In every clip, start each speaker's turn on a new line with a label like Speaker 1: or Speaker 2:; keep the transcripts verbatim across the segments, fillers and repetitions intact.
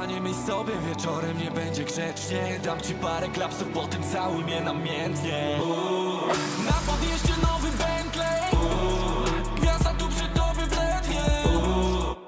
Speaker 1: nie myśl sobie, wieczorem nie będzie grzecznie. Dam ci parę klapsów, potem całuj mnie namiętnie. Uuu. Na podjeździe nowy Bentley. Uuu. Gwiazda tu przy tobie wletnie. Uuu.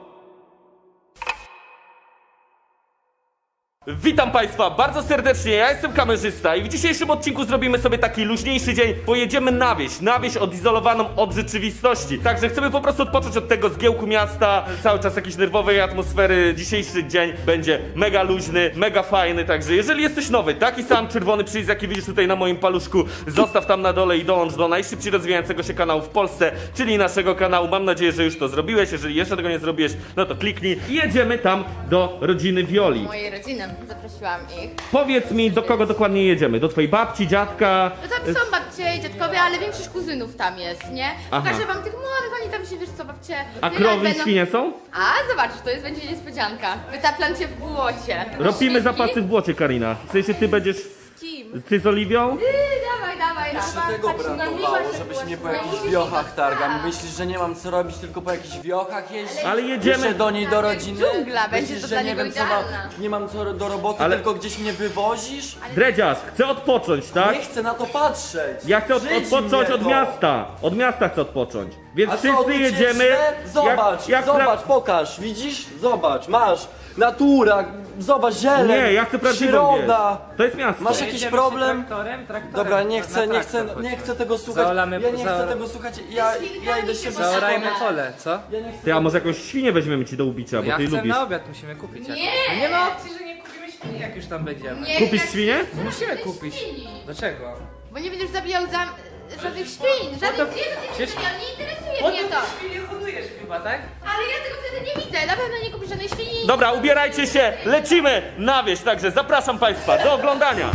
Speaker 2: Witam Państwa bardzo serdecznie, ja jestem kamerzysta i w dzisiejszym odcinku zrobimy sobie taki luźniejszy dzień. Pojedziemy na wieś, na wieś odizolowaną od rzeczywistości. Także chcemy po prostu odpocząć od tego zgiełku miasta, cały czas jakiejś nerwowej atmosfery. Dzisiejszy dzień będzie mega luźny, mega fajny, także jeżeli jesteś nowy, taki sam czerwony przycisk jaki widzisz tutaj na moim paluszku, zostaw tam na dole i dołącz do najszybciej rozwijającego się kanału w Polsce, czyli naszego kanału. Mam nadzieję, że już to zrobiłeś, jeżeli jeszcze tego nie zrobiłeś, no to kliknij i jedziemy tam do rodziny Violi.
Speaker 3: Mojej rodziny, zaprosiłam ich.
Speaker 2: Powiedz mi, do kogo dokładnie jedziemy? Do twojej babci, dziadka?
Speaker 3: No tam są babcie i dziadkowie, ale większość kuzynów tam jest, nie?
Speaker 2: Aha.
Speaker 3: Pokażę wam tych młodych, oni tam się, wiesz co, babcie...
Speaker 2: A
Speaker 3: nie
Speaker 2: krowy i
Speaker 3: będą-
Speaker 2: świnie są?
Speaker 3: A, zobacz, to jest, będzie niespodzianka. Wytaplam cię w błocie.
Speaker 2: Robimy
Speaker 3: Świnki?
Speaker 2: zapasy w błocie, Karina. W sensie ty będziesz...
Speaker 3: Z kim?
Speaker 2: Ty z Oliwią?
Speaker 3: Ty, dawaj, dawaj,
Speaker 4: Jeszcze
Speaker 3: dawaj.
Speaker 4: tego
Speaker 3: Patrz,
Speaker 4: brakowało,
Speaker 3: najmniejsza
Speaker 4: żebyś mnie po
Speaker 3: była-
Speaker 4: jakichś
Speaker 3: najmniejsza
Speaker 4: wiochach
Speaker 3: była.
Speaker 4: targał. Myślisz, że nie mam co robić, tylko po jakichś wiochach jeździć?
Speaker 2: Ale jedziemy...
Speaker 4: Jeszcze do niej do rodziny?
Speaker 3: Dżungla, będzie
Speaker 4: Myślisz,
Speaker 3: to
Speaker 4: że
Speaker 3: dla
Speaker 4: nie
Speaker 3: niego
Speaker 4: wiem co mam,
Speaker 3: idealna.
Speaker 4: nie mam co do roboty,
Speaker 2: Ale-
Speaker 4: tylko gdzieś mnie wywozisz?
Speaker 2: Dredziarz, chcę odpocząć, tak?
Speaker 4: Nie chcę na to patrzeć!
Speaker 2: Ja chcę od,
Speaker 4: Żyć
Speaker 2: odpocząć
Speaker 4: mnie
Speaker 2: od
Speaker 4: to.
Speaker 2: miasta. Od miasta chcę odpocząć. Więc
Speaker 4: A co,
Speaker 2: wszyscy
Speaker 4: tu cię
Speaker 2: jedziemy...
Speaker 4: źle? Zobacz,
Speaker 2: jak, jak
Speaker 4: zobacz, pokaż, widzisz? Zobacz, masz, natura, zobacz, zieleń,
Speaker 2: Nie, ja chcę prawdziwą wieś.
Speaker 4: przyroda.
Speaker 2: To jest miasto.
Speaker 4: Masz jakiś
Speaker 5: Jedziemy
Speaker 4: problem?
Speaker 5: Traktorem, traktorem.
Speaker 4: Dobra, nie
Speaker 5: Na
Speaker 4: chcę, nie
Speaker 5: traktor
Speaker 4: chcę, nie
Speaker 5: chodźmy.
Speaker 4: chcę tego słuchać.
Speaker 5: Zaolamy-
Speaker 4: Ja nie chcę
Speaker 5: zaora-
Speaker 4: tego słuchać. Ja, ja idę się
Speaker 5: Zaorajmy
Speaker 4: wysypać.
Speaker 5: pole, co?
Speaker 4: Ja nie chcę.
Speaker 2: Ty, a może jakąś świnię weźmiemy ci do ubicia, bo
Speaker 5: Ja
Speaker 2: ty
Speaker 5: chcę
Speaker 2: lubisz.
Speaker 5: na obiad, musimy kupić.
Speaker 3: Nie!
Speaker 5: jakąś. No nie ma opcji, że nie kupimy świni, jak już tam będziemy.
Speaker 3: Nie,
Speaker 2: Kupisz
Speaker 3: jak-
Speaker 2: świnię?
Speaker 5: Musimy
Speaker 3: żadnych
Speaker 5: kupić.
Speaker 3: świni.
Speaker 5: Dlaczego?
Speaker 3: Bo nie będziesz zabijał za... żadnych świń, żadnych
Speaker 5: to-
Speaker 3: zwierząt nie
Speaker 5: przecież-
Speaker 3: zabijał, nie interesuje
Speaker 5: Bo
Speaker 3: mnie
Speaker 5: to
Speaker 3: to.
Speaker 5: świnie hodujesz chyba, tak?
Speaker 3: Ale ja tego wtedy nie widzę, na pewno nie kupisz żadnej świni.
Speaker 2: Dobra, ubierajcie się, lecimy na wieś, także zapraszam Państwa do oglądania.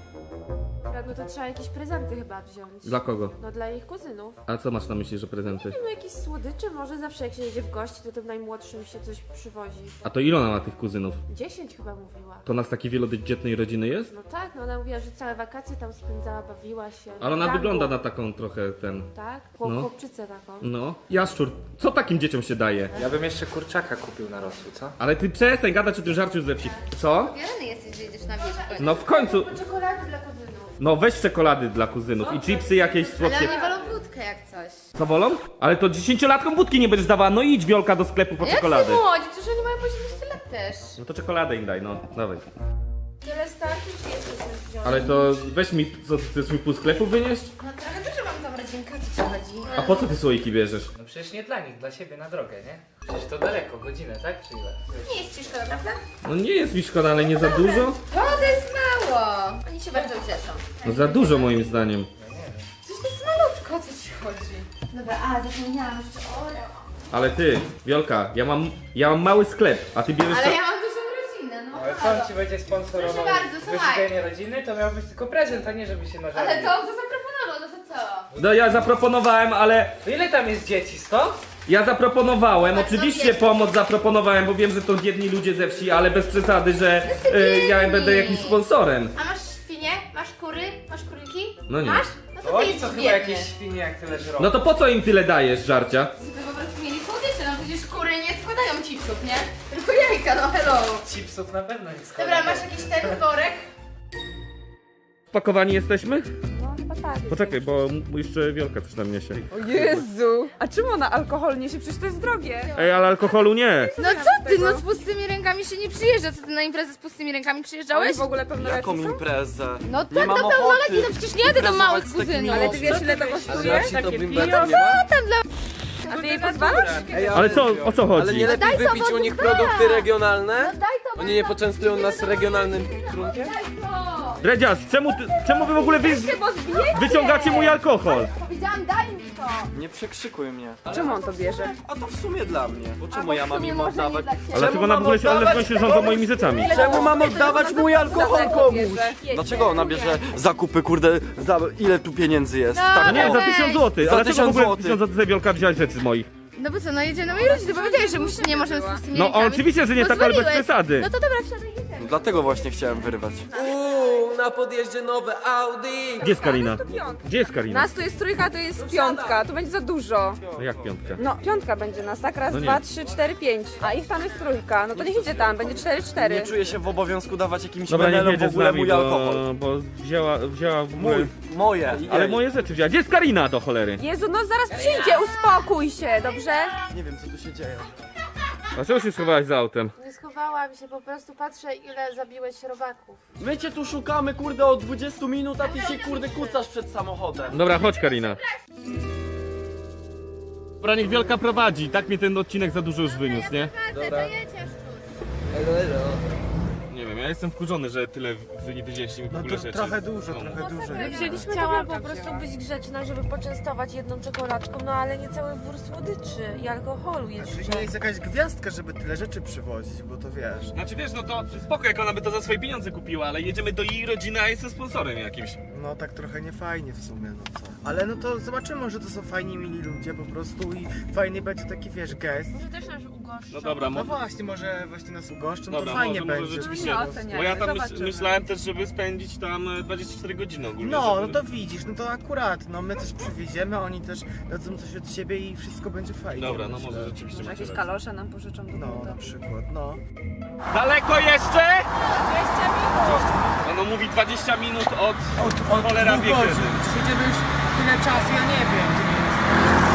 Speaker 6: No to trzeba jakieś prezenty chyba wziąć.
Speaker 2: Dla kogo?
Speaker 6: No dla ich kuzynów.
Speaker 2: A co masz na myśli, że prezenty?
Speaker 6: No jakieś słodycze, może zawsze jak się jedzie w gości, to tym najmłodszym się coś przywozi.
Speaker 2: A to ile ona ma tych kuzynów?
Speaker 6: Dziesięć chyba mówiła.
Speaker 2: To nas takiej wielodzietnej rodziny jest?
Speaker 6: No tak, no ona mówiła, że całe wakacje tam spędzała, bawiła się.
Speaker 2: Ale ona
Speaker 6: Gangu.
Speaker 2: wygląda na taką trochę ten...
Speaker 6: Tak? Chłop,
Speaker 2: No.
Speaker 6: chłopczycę taką.
Speaker 2: No. Jaszczur, co takim dzieciom się daje?
Speaker 5: Ja bym jeszcze kurczaka kupił na rosół, co?
Speaker 2: Ale ty przestań gadać o tym żarciu ze wsi. Co?
Speaker 3: Ubierany jesteś, że jedziesz na wieś.
Speaker 2: No w końcu...
Speaker 6: Czekolady dla kuzynów.
Speaker 2: No weź czekolady dla kuzynów i chipsy jakieś
Speaker 3: Ale
Speaker 2: słodkie.
Speaker 3: oni wolą wódkę jak coś.
Speaker 2: Co wolą? Ale to dziesięciolatkom wódki nie będziesz dawała. No idź Wiolka do sklepu po
Speaker 3: Jak
Speaker 2: czekolady.
Speaker 3: ty młodzi, przecież oni mają po siedemnaście lat też.
Speaker 2: No to czekoladę im daj, no. Dawaj.
Speaker 6: Tyle starczy, czy jeszcze coś wziąć?
Speaker 2: Ale to weź mi, co ty chcesz mi pół sklepu wynieść?
Speaker 3: No trochę dużo mam tam rodzinka, co ci chodzi?
Speaker 2: A po co ty słoiki bierzesz?
Speaker 5: No przecież nie dla nich, dla siebie na drogę, nie? Przecież to daleko, godzinę, tak? Czy ile?
Speaker 3: Nie jest ci szkoda, prawda?
Speaker 2: No nie jest mi szkoda, ale nie za dużo?
Speaker 3: O, to jest mało. Oni się bardzo ucieszą.
Speaker 2: No za dużo moim zdaniem.
Speaker 3: Przecież to jest malutko, o co ci chodzi? Dobra, a zapomniałam jeszcze Oreo.
Speaker 2: Ale ty, Wiolka, ja mam, ja mam mały sklep, a ty bierzesz...
Speaker 3: Ale
Speaker 2: ta-
Speaker 3: ja mam dużą rodzinę, no
Speaker 5: Ale co
Speaker 3: halo.
Speaker 5: on ci będzie sponsorował?
Speaker 3: Proszę bardzo, słuchaj.
Speaker 5: Wyżywienie rodziny to miał być tylko prezent, a nie żeby się nażarli.
Speaker 3: Ale to on to zaproponował, no to co?
Speaker 2: No ja zaproponowałem, ale...
Speaker 5: To ile tam jest dzieci? sto?
Speaker 2: Ja zaproponowałem,
Speaker 3: Bardzo
Speaker 2: oczywiście
Speaker 3: biedne.
Speaker 2: pomoc zaproponowałem, bo wiem, że to biedni ludzie ze wsi, ale bez przesady, że y, ja
Speaker 3: biedni.
Speaker 2: będę jakimś sponsorem.
Speaker 3: A masz świnie? Masz kury? Masz króliki?
Speaker 2: No nie.
Speaker 3: Masz? No to
Speaker 5: To
Speaker 3: ty
Speaker 5: oni
Speaker 3: jesteś
Speaker 5: to chyba
Speaker 3: biedny.
Speaker 5: jakieś świnie jak tyle żrą.
Speaker 2: No to po co im tyle dajesz, żarcia?
Speaker 3: Żeby po prostu mieli słodycze, no przecież kury nie składają chipsów, nie? Tylko jajka, no hello.
Speaker 5: Chipsów na pewno nie składa.
Speaker 3: Dobra, masz jakiś ten worek?
Speaker 2: Spakowani jesteśmy?
Speaker 6: No chyba tak.
Speaker 2: Poczekaj, bo m- jeszcze Wiolka coś tam niesie.
Speaker 7: O Jezu! A czemu ona alkohol niesie? Przecież to jest drogie.
Speaker 2: Ej, ale alkoholu nie.
Speaker 3: No co ty, no z pustymi rękami się nie przyjeżdża. Co ty na imprezę z pustymi rękami
Speaker 7: Oni
Speaker 3: przyjeżdżałeś?
Speaker 7: w ogóle pełnoletni
Speaker 4: Jaką
Speaker 7: są?
Speaker 4: imprezę?
Speaker 3: No
Speaker 4: Nie
Speaker 3: tak,
Speaker 4: mam
Speaker 3: do
Speaker 4: ochoty
Speaker 3: pełnoletni, no przecież nie jadę do małych
Speaker 4: imprezować z takimi
Speaker 3: kuzynów.
Speaker 7: Ale ty wiesz ile to
Speaker 4: Ale
Speaker 7: kosztuje?
Speaker 4: jak ci to
Speaker 5: Takie
Speaker 4: bimber
Speaker 5: pijo,
Speaker 4: nie ma?
Speaker 3: Tam dla...
Speaker 7: A ty jej pozwalasz?
Speaker 4: Ej,
Speaker 2: Ale co, o co
Speaker 4: Ale
Speaker 2: chodzi?
Speaker 4: nie lepiej
Speaker 3: daj to,
Speaker 4: wypić
Speaker 3: bo
Speaker 4: u nich
Speaker 3: to
Speaker 4: produkty
Speaker 3: da.
Speaker 4: regionalne?
Speaker 3: No daj to,
Speaker 4: Oni nie poczęstują nas regionalnym trunkiem?
Speaker 3: Daj to.
Speaker 2: Dredziarz, czemu, ty, czemu wy w ogóle wy, wyciągacie mój alkohol?
Speaker 3: Powiedziałam, daj mi to.
Speaker 4: Nie przekrzykuj mnie.
Speaker 7: Czemu on to bierze?
Speaker 4: A to w sumie dla mnie. Bo czemu
Speaker 3: bo
Speaker 4: ja
Speaker 3: w
Speaker 4: mam
Speaker 3: sumie
Speaker 4: im
Speaker 3: może nie
Speaker 4: oddawać?
Speaker 3: dla ciebie.
Speaker 2: Ale dlaczego nam w ogóle się, ale w ogóle się rządzą moimi rzeczami?
Speaker 4: Czemu mam oddawać mój alkohol komuś?
Speaker 7: bierze?
Speaker 4: Dlaczego ona bierze zakupy, kurde, za ile tu pieniędzy jest?
Speaker 3: No.
Speaker 4: Tak,
Speaker 2: No nie, za
Speaker 3: Weź.
Speaker 2: tysiąc złotych.
Speaker 4: Za
Speaker 2: Ale dlaczego w
Speaker 4: tysiąc
Speaker 2: ogóle
Speaker 4: złotych.
Speaker 2: tysiąc złotych Wiolka wziąłeś rzeczy z moich?
Speaker 3: No bo co, no jedzie na moi rodzice, powiedziałeś, że musi, nie możemy z pustymi
Speaker 2: No
Speaker 3: rękami.
Speaker 2: oczywiście, że nie tak, ale bez
Speaker 3: Pozwoliłeś.
Speaker 2: przesady.
Speaker 3: No to dobra, wsiadaj, jedziemy.
Speaker 4: Dlatego właśnie chciałem wyrwać. Uuu, na na podjeździe nowe Audi.
Speaker 2: Gdzie jest Karina?
Speaker 7: To piątka.
Speaker 2: Gdzie jest Karina?
Speaker 7: Nas to jest trójka, to jest piątka. To będzie za dużo.
Speaker 2: No jak piątka?
Speaker 7: No, piątka będzie nas, tak? Raz,
Speaker 2: No nie.
Speaker 7: dwa, trzy, cztery, pięć. A ich tam jest trójka. No to niech idzie tam, będzie cztery, cztery.
Speaker 4: Nie czuję się w obowiązku dawać jakimś
Speaker 2: Dobra, nie
Speaker 4: menelom w
Speaker 2: jedzie z
Speaker 4: ogóle
Speaker 2: nami,
Speaker 4: mój
Speaker 2: bo,
Speaker 4: alkohol.
Speaker 2: bo wzięła, wzięła w ogóle...
Speaker 4: Mój, moje.
Speaker 2: Ale
Speaker 4: Jej.
Speaker 2: moje rzeczy wzięła. Gdzie jest Karina do cholery?
Speaker 7: Jezu, no zaraz przyjdzie, uspokój się, dobrze?
Speaker 4: Nie wiem co tu się dzieje.
Speaker 2: Dlaczego się schowałaś za autem?
Speaker 6: Nie schowałam się, po prostu patrzę, ile zabiłeś robaków.
Speaker 4: My cię tu szukamy kurde od dwudziestu minut, a ty się kurde kucasz przed samochodem.
Speaker 2: Dobra, chodź Karina. Dobra, niech Wielka prowadzi. Tak mnie ten odcinek za dużo już wyniósł, nie?
Speaker 3: Dobra.
Speaker 2: Nie wiem, ja jestem wkurzony, że tyle wy nie wzięliście mi w ogóle rzeczy.
Speaker 8: Trochę dużo, trochę dużo.
Speaker 6: Wzięliśmy Chciałam po prostu być grzeczna, żeby poczęstować jedną czekoladką, no ale nie cały wór słodyczy i alkoholu jeszcze.
Speaker 8: Czy nie jest jakaś gwiazdka, żeby tyle rzeczy przywozić, bo to wiesz.
Speaker 2: Znaczy wiesz, no to spoko, jak ona by to za swoje pieniądze kupiła, ale jedziemy do jej rodziny, a jestem sponsorem jakimś.
Speaker 8: No tak trochę niefajnie w sumie, no co. Ale no to zobaczymy, może to są fajni, mili ludzie po prostu i fajny będzie taki, wiesz, gest.
Speaker 6: Może też nas ugoszczą.
Speaker 2: No dobra,
Speaker 8: No
Speaker 2: mo-
Speaker 8: właśnie, może właśnie nas ugoszczą,
Speaker 2: Dobra,
Speaker 8: to fajnie
Speaker 2: może- może
Speaker 8: będzie.
Speaker 2: rzeczywiście.
Speaker 7: Nie
Speaker 8: po prostu.
Speaker 7: oceniamy,
Speaker 2: bo ja tam myśl,
Speaker 7: zobaczymy.
Speaker 2: myślałem też, żeby spędzić tam e, dwadzieścia cztery godziny ogólnie.
Speaker 8: No, no
Speaker 2: żeby...
Speaker 8: to widzisz, no to akurat, no my coś przywieziemy, oni też dadzą coś od siebie i wszystko będzie fajnie.
Speaker 2: Dobra, no
Speaker 8: myślę.
Speaker 2: może rzeczywiście
Speaker 7: Może
Speaker 2: macie
Speaker 7: jakieś
Speaker 2: rację.
Speaker 7: kalosze nam pożyczą do
Speaker 8: No,
Speaker 7: buta.
Speaker 8: na przykład, no.
Speaker 2: Daleko jeszcze?
Speaker 7: dwadzieścia minut!
Speaker 2: Ono mówi dwadzieścia minut od...
Speaker 8: Od, od
Speaker 2: Cholera
Speaker 8: dwóch
Speaker 2: wie kiedy.
Speaker 8: godzin. Czy jedziemy już tyle czasu, ja nie wiem, gdzie my jesteśmy.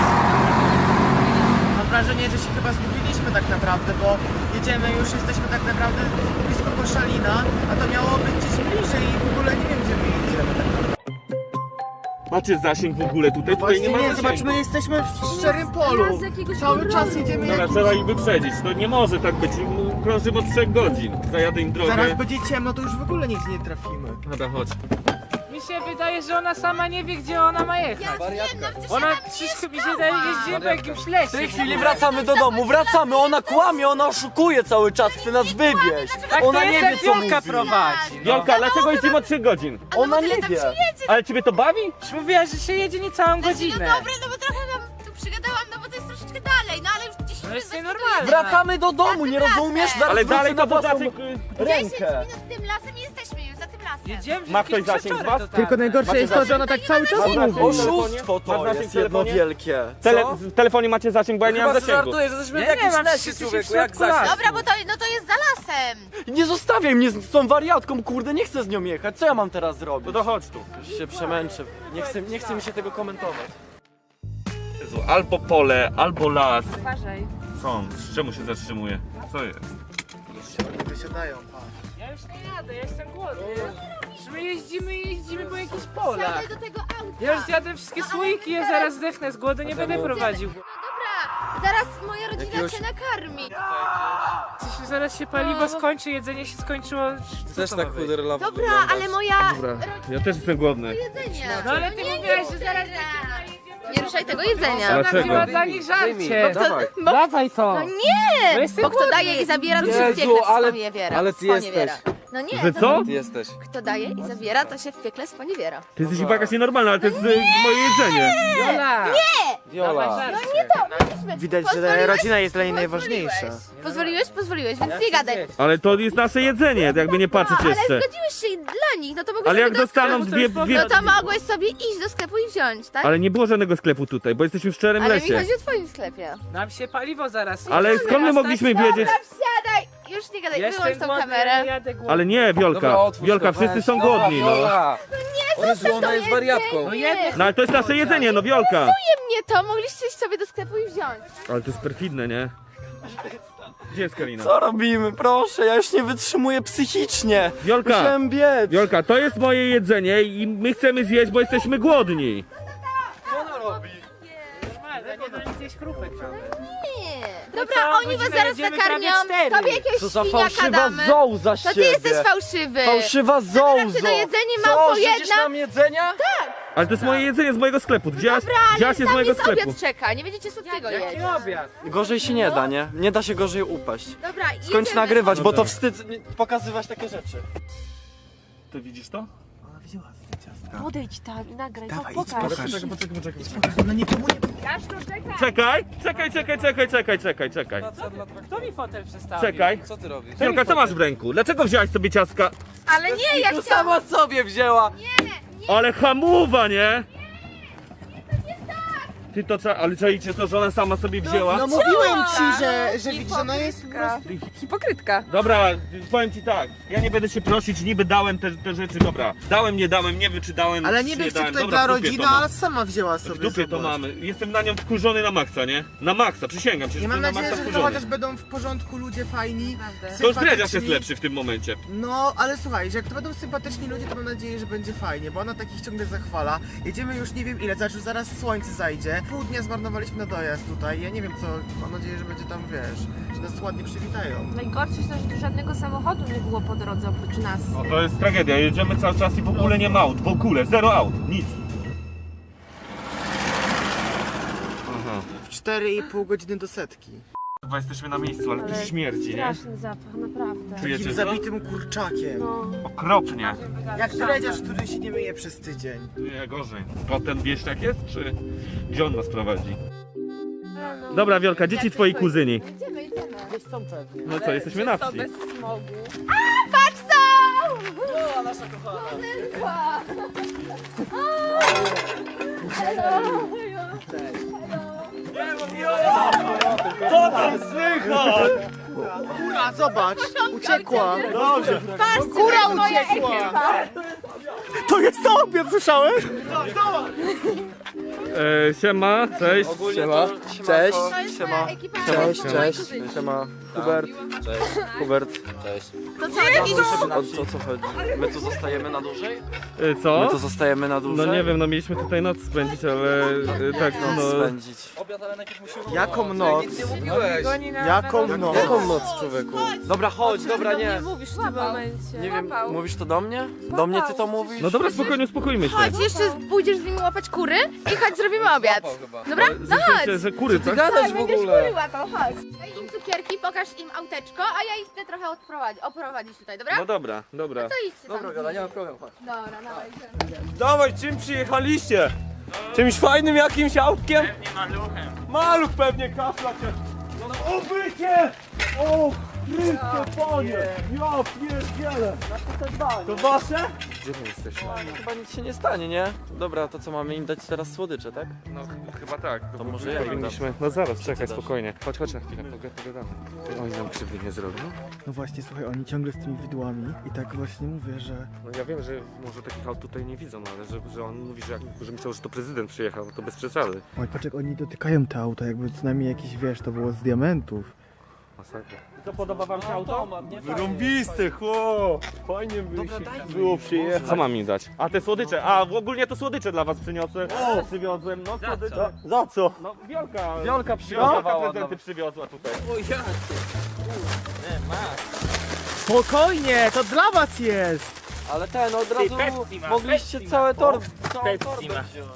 Speaker 8: Mam wrażenie, że się chyba zgubiliśmy tak naprawdę, bo jedziemy już, jesteśmy tak naprawdę blisko Koszalina, a to miało być gdzieś bliżej i w ogóle nie wiem, gdzie my jedziemy tak naprawdę.
Speaker 2: Macie zasięg w ogóle tutaj? Tutaj
Speaker 8: Właśnie
Speaker 2: nie ma
Speaker 8: nie,
Speaker 2: zasięgu.
Speaker 8: zobaczmy, jesteśmy w szczerym polu.
Speaker 6: z jakiegoś
Speaker 8: Cały
Speaker 6: powodu.
Speaker 8: czas jedziemy
Speaker 2: Dobra,
Speaker 8: jak...
Speaker 2: trzeba ich wyprzedzić, to nie może tak być. Krążymy od trzech godzin. Zajadę im drogę.
Speaker 8: Zaraz będzie ciemno, to już w ogóle nigdzie nie trafimy.
Speaker 2: Dobra, chodź.
Speaker 5: Mi się wydaje, że ona sama nie wie, gdzie ona ma jechać. Ona wszystko mi się wydaje, jeździmy po jakimś lesie.
Speaker 4: W tej chwili wracamy do domu, wracamy, ona kłamie, ona oszukuje cały czas, chce nas wywieźć.
Speaker 5: Tak
Speaker 4: Ona
Speaker 5: to
Speaker 4: nie
Speaker 5: jest,
Speaker 4: wie
Speaker 5: jak
Speaker 4: co mówi.
Speaker 5: Wiolka prowadzi.
Speaker 2: Wiolka, dlaczego jeździmy od trzech godzin?
Speaker 4: Ona nie wie.
Speaker 2: Ale ciebie to bawi?
Speaker 5: Już mówiła, że się jedzie niecałą godzinę.
Speaker 3: No dobra, no bo trochę wam tu przygadałam, no bo to jest troszeczkę dalej, no ale już gdzieś
Speaker 5: To jest
Speaker 3: już
Speaker 5: nienormalne.
Speaker 4: Wracamy do domu, nie rozumiesz? Zaraz
Speaker 2: Ale
Speaker 4: wrócę
Speaker 2: dalej
Speaker 4: na
Speaker 2: to to
Speaker 4: własną
Speaker 2: zasięg...
Speaker 3: dziesięć
Speaker 4: rękę.
Speaker 3: minut tym lasem i jesteśmy już za tym lasem.
Speaker 5: Jedziemy, że
Speaker 2: Ma ktoś
Speaker 5: jakieś
Speaker 2: zasięg z
Speaker 5: przeczory
Speaker 2: was?
Speaker 5: totalne.
Speaker 8: Tylko najgorsze jest to, że ona tak cały czas
Speaker 2: Masz zasięg
Speaker 8: mówi.
Speaker 2: w telefonie?
Speaker 4: Oszustwo
Speaker 2: Masz
Speaker 4: to
Speaker 2: zasięg
Speaker 4: jest
Speaker 2: w telefonie?
Speaker 4: jedno wielkie.
Speaker 2: Tele...
Speaker 4: Co?
Speaker 2: W telefonie macie zasięg, bo ja nie mam zasięgu.
Speaker 4: że jesteśmy
Speaker 5: Ja nie mam, wszyscy się w środku lasu.
Speaker 3: Dobra, bo to, no to jest za lasem.
Speaker 4: Nie zostawiaj mnie z tą wariatką, kurde, nie chcę z nią jechać. Co ja mam teraz zrobić?
Speaker 2: No to chodź tu.
Speaker 4: Już się przemęczę. Nie chcę, nie chcę mi się tego komentować.
Speaker 2: Jezu, albo pole, albo las.
Speaker 7: Uważaj.
Speaker 2: Są. Czemu się zatrzymuje? Co jest?
Speaker 8: Oni wysiadają, patrz.
Speaker 5: Ja już nie jadę, ja jestem głodny. Że my jeździmy i jeździmy po jakichś polach.
Speaker 3: Siadaj do tego auta.
Speaker 5: Ja już zjadę wszystkie słoiki, ja zaraz zdechnę z głodu, nie będę prowadził.
Speaker 3: No dobra, zaraz moja rodzina cię nakarmi.
Speaker 5: Przecież zaraz się paliwo skończy, jedzenie się skończyło. Co to ma być?
Speaker 3: Dobra, ale moja
Speaker 2: Dobra, ja też jestem głodny.
Speaker 3: jedzenie.
Speaker 5: No ale ty mówiłaś, że zaraz
Speaker 3: Nie ruszaj tego jedzenia.
Speaker 5: ona
Speaker 2: Dlaczego?
Speaker 5: wzięła dla nich żarcie.
Speaker 3: Dawaj.
Speaker 5: Dawaj to.
Speaker 3: No nie!
Speaker 5: Bo jestem
Speaker 3: Bo kto
Speaker 5: głodny.
Speaker 3: daje i zabiera, to się
Speaker 4: Jezu,
Speaker 3: w piekle
Speaker 4: ale-
Speaker 3: sponiewiera.
Speaker 4: ale ty jesteś.
Speaker 3: Sponiewiera. No nie,
Speaker 2: Że
Speaker 3: to-
Speaker 2: co?
Speaker 4: jesteś.
Speaker 3: Kto daje i zabiera, to się w piekle sponiewiera.
Speaker 2: Ty jesteś chyba jakaś nienormalna, ale to jest y, moje jedzenie.
Speaker 5: Jola!
Speaker 4: Viola.
Speaker 5: Dawaj żarcie.
Speaker 8: Widać, że
Speaker 3: Pozwoliłeś?
Speaker 8: rodzina jest dla niej
Speaker 3: Pozwoliłeś.
Speaker 8: najważniejsza.
Speaker 3: Pozwoliłeś, pozwoliłeś, więc nie gadaj.
Speaker 2: Ale to jest nasze jedzenie, jakby nie patrzeć
Speaker 3: Ale
Speaker 2: jeszcze.
Speaker 3: zgodziłeś się dla nich, no to mogłeś
Speaker 2: Ale jak
Speaker 3: sobie do
Speaker 2: dostaną
Speaker 3: sklepu-
Speaker 2: dwie, dwie...
Speaker 3: No to mogłeś sobie iść do sklepu i wziąć, tak?
Speaker 2: Ale nie było żadnego sklepu tutaj, bo jesteśmy w szczerym
Speaker 3: Ale mi
Speaker 2: lesie.
Speaker 3: chodzi o twoim sklepie.
Speaker 5: Nam się paliwo zaraz.
Speaker 2: Ale
Speaker 5: jedzie.
Speaker 2: skąd my
Speaker 5: Teraz
Speaker 2: mogliśmy
Speaker 5: tak-
Speaker 2: wiedzieć?
Speaker 3: Dobra, wsiadaj! Już nie gadaj,
Speaker 5: Jestem
Speaker 3: wyłącz tą
Speaker 5: głodny,
Speaker 3: kamerę.
Speaker 5: jadę głodny.
Speaker 2: Ale nie, Wiolka. Wiolka, wszyscy są głodni, no.
Speaker 4: Jezu, ona jest wariatką.
Speaker 5: No jedno.
Speaker 2: No ale to jest nasze jedzenie, no Wiolka.
Speaker 3: Nie mnie to, mogliście iść sobie do sklepu i wziąć.
Speaker 2: Ale to jest perfidne, nie? Gdzie jest Karina?
Speaker 4: Co robimy? Proszę, ja już nie wytrzymuję psychicznie.
Speaker 2: Wiolka,
Speaker 4: Musiałem biec.
Speaker 2: Wiolka, to jest moje jedzenie i my chcemy zjeść, bo jesteśmy głodni.
Speaker 4: Co ona robi?
Speaker 5: Normalne, nie da nic zjeść krupek nawet.
Speaker 3: Nie.
Speaker 5: No
Speaker 3: Dobra,
Speaker 5: całą
Speaker 3: oni was
Speaker 5: godzinę
Speaker 3: zaraz
Speaker 5: jedziemy
Speaker 3: nakarmią.
Speaker 5: prawie cztery.
Speaker 3: Tobie jakiegoś
Speaker 4: Co za
Speaker 3: świniaka
Speaker 4: fałszywa
Speaker 3: damy.
Speaker 4: zołza z
Speaker 3: To ty
Speaker 4: siebie.
Speaker 3: jesteś fałszywy.
Speaker 4: Fałszywa
Speaker 3: Zabieram
Speaker 4: zołzo.
Speaker 3: cię do jedzenia,
Speaker 4: Co,
Speaker 3: małpo
Speaker 4: życzysz
Speaker 3: jedna.
Speaker 4: nam jedzenia?
Speaker 2: Ale to jest moje jedzenie z mojego sklepu. Wzięłaś,
Speaker 3: Dobra, ale
Speaker 2: wzięłaś je z
Speaker 3: tam
Speaker 2: mojego
Speaker 3: jest
Speaker 2: sklepu.
Speaker 3: obiad czeka, nie będziecie słodkiego jeść.
Speaker 5: Jaki obiad?
Speaker 4: Gorzej się nie da, nie? Nie da się gorzej upaść.
Speaker 3: Dobra,
Speaker 4: Skończ
Speaker 3: idziemy.
Speaker 4: nagrywać, bo to
Speaker 2: Dobra.
Speaker 4: wstyd nie- pokazywać takie rzeczy.
Speaker 2: Ty widzisz to?
Speaker 8: Ona wzięła te ciastka.
Speaker 6: Podejdź tam i nagraj,
Speaker 8: Dawaj,
Speaker 6: po,
Speaker 8: idź,
Speaker 6: pokaż.
Speaker 8: pokaż.
Speaker 2: Poczekaj, poczekaj, poczekaj.
Speaker 8: Ona nikomu nie...
Speaker 2: Czekaj, czekaj, czekaj, czekaj, czekaj, czekaj, czekaj.
Speaker 5: Kto mi fotel przestawił?
Speaker 2: Czekaj.
Speaker 4: Co ty robisz?
Speaker 2: Wiolka, co masz w ręku? Dlaczego wzięłaś sobie ciastka?
Speaker 3: Ale nie, ja
Speaker 4: To
Speaker 3: chciałam...
Speaker 4: sama sobie wzięła.
Speaker 2: Ale hamuwa, nie? Ty to co, ale czaicie to, że ona sama sobie wzięła?
Speaker 8: No mówiłem ci, że, że widzisz, że ona jest po prostu...
Speaker 7: Hipokrytka.
Speaker 2: Dobra, powiem ci tak, ja nie będę się prosić, niby dałem te, te rzeczy, dobra. Dałem, nie dałem, nie wiem czy dałem,
Speaker 8: Ale
Speaker 2: czy
Speaker 8: nie wiem, czy
Speaker 2: dałem.
Speaker 8: tutaj
Speaker 2: Dobra,
Speaker 8: dla
Speaker 2: w dupie
Speaker 8: rodziny,
Speaker 2: to mam.
Speaker 8: ale sama wzięła sobie.
Speaker 2: W dupie to
Speaker 8: zobacz.
Speaker 2: mamy. Jestem na nią wkurzony na maksa, nie? Na maksa, przysięgam cię, że
Speaker 8: I mam
Speaker 2: jestem na
Speaker 8: nadzieję,
Speaker 2: maksa
Speaker 8: że to
Speaker 2: wkurzony.
Speaker 8: chociaż będą w porządku ludzie fajni,
Speaker 2: To już Dredziarz jest
Speaker 8: sympatyczni.
Speaker 2: lepszy w tym momencie.
Speaker 8: No, ale słuchaj, że jak to będą sympatyczni ludzie, to mam nadzieję, że będzie fajnie, bo ona takich ciągle zachwala. Jedziemy już nie wiem ile, zobacz, już zaraz słońce zajdzie. Pół dnia zmarnowaliśmy na dojazd tutaj, ja nie wiem co, mam nadzieję, że będzie tam, wiesz, że nas ładnie przywitają.
Speaker 6: Najgorsze jest to, że tu żadnego samochodu nie było po drodze oprócz nas.
Speaker 2: No to jest tragedia, jedziemy cały czas i w ogóle nie ma aut, w ogóle, zero aut, nic. Aha.
Speaker 8: cztery i pół godziny do setki.
Speaker 2: Chyba jesteśmy na miejscu, ale tu
Speaker 6: Ale
Speaker 2: śmierdzi, nie?
Speaker 6: Straszny zapach, naprawdę.
Speaker 2: Czujecie
Speaker 8: Takim
Speaker 2: to?
Speaker 8: zabitym kurczakiem.
Speaker 6: No.
Speaker 2: Okropnie.
Speaker 8: Jak dredziarz, który się nie myje przez tydzień.
Speaker 2: Nie, gorzej. Potem wiesz jak jest, czy gdzie on nas prowadzi?
Speaker 6: Ale no.
Speaker 2: Dobra, Wiolka, dzieci twoi kuzyni.
Speaker 3: Idziemy, idziemy.
Speaker 8: Gdzieś są pewnie.
Speaker 2: No co, jesteśmy na
Speaker 7: To
Speaker 2: wsi.
Speaker 7: bez smogu.
Speaker 3: Patrz co!
Speaker 4: O, nasza kochana.
Speaker 2: Co tam słychać?
Speaker 8: Kura, zobacz, uciekła.
Speaker 2: Dobrze.
Speaker 8: Kura uciekła. To jest to, obiad, słyszałeś?
Speaker 2: E, siema, cześć.
Speaker 4: Siema. Cześć.
Speaker 3: To jest
Speaker 4: Siema.
Speaker 3: moja ekipa.
Speaker 4: Cześć,
Speaker 3: moi
Speaker 4: cześć.
Speaker 3: kuzyni.
Speaker 4: Siema. Hubert. Cześć. Hubert. Cześć.
Speaker 3: To co, jakiś...
Speaker 4: O co, co chodzi? My tu zostajemy na dłużej?
Speaker 2: E, co?
Speaker 4: My tu zostajemy na dłużej?
Speaker 2: No nie wiem, no mieliśmy tutaj noc spędzić, ale e, tak,
Speaker 4: Noc
Speaker 2: no.
Speaker 4: spędzić.
Speaker 8: Jaką noc?
Speaker 7: Goni na
Speaker 8: Jaką
Speaker 7: na-
Speaker 8: noc?
Speaker 4: Jaką noc, człowieku? Dobra, chodź, dobra,
Speaker 6: Do mnie
Speaker 4: nie.
Speaker 6: mówisz w tym momencie.
Speaker 4: Nie wiem,
Speaker 7: Łapał.
Speaker 4: mówisz to do mnie? Do mnie ty to mówisz?
Speaker 2: No dobra, spokojnie, uspokójmy się.
Speaker 3: Chodź, jeszcze pójdziesz z nimi łapać kury i chodź, zrobimy obiad. Dobra? No chodź.
Speaker 2: Że, że kury, tak?
Speaker 4: Gadasz w
Speaker 3: Będziesz
Speaker 4: ogóle.
Speaker 3: kury łapał, chodź. Daj im cukierki, pokaż im auteczko, a ja ich chcę trochę odprowadzić, oprowadzić tutaj, dobra?
Speaker 2: No dobra, dobra.
Speaker 3: To idźcie tam.
Speaker 4: Dobra, Gola, nie ma problemu, chodź.
Speaker 3: Dobra, dawaj, idziemy.
Speaker 4: Dawaj, czym przyjechaliście? Czymś fajnym jakimś autkiem? Pewnie maluchem. Maluch pewnie, kafla cię. No, obycie! O, Chryste, panie! Ja pierdzielę! To wasze? Gdzie my jesteśmy? Chyba nic się nie stanie, nie? Dobra, to co, mamy im dać teraz słodycze, tak?
Speaker 2: No chyba tak.
Speaker 4: To może ja im dam.
Speaker 2: powinniśmy. No zaraz, czekaj, spokojnie. Chodź, chodź na chwilę, poga- pogadamy. Oni nam krzywdy nie zrobią.
Speaker 8: No właśnie, słuchaj, oni ciągle z tymi widłami i tak właśnie mówię, że...
Speaker 2: No ja wiem, że może takich aut tutaj nie widzą, ale że, że on mówi, że, jak, że myślał, że to prezydent przyjechał, to bez przesady.
Speaker 8: Oj, patrz jak oni dotykają te auta, jakby co najmniej jakiś, wiesz, to było z diamentów.
Speaker 2: Masakra. Co, podoba wam się auto?
Speaker 4: Wyrąbiste, chłop! Fajnie by
Speaker 8: Dobra, daj mi.
Speaker 4: było przyjechać.
Speaker 2: Co mam im dać? A te słodycze, a w ogólnie to słodycze dla was przyniosłem. O! Przywiozłem, no słodycze.
Speaker 4: Za co?
Speaker 2: No Wiolka.
Speaker 4: Wiolka
Speaker 2: Wiolka
Speaker 4: przygotowała
Speaker 2: prezenty przywiozła tutaj.
Speaker 8: Spokojnie, to dla was jest!
Speaker 4: Ale ten, od razu mogliście całe tor... całą torbę wziąć.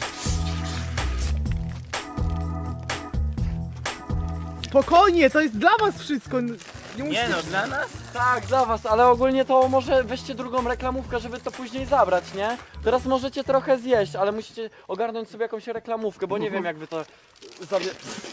Speaker 8: Spokojnie, to jest dla was wszystko! Nie, musicie...
Speaker 5: no, dla nas?
Speaker 4: Tak, dla was, ale ogólnie to może weźcie drugą reklamówkę, żeby to później zabrać, nie? Teraz możecie trochę zjeść, ale musicie ogarnąć sobie jakąś reklamówkę, bo nie wiem jak wy to zabie...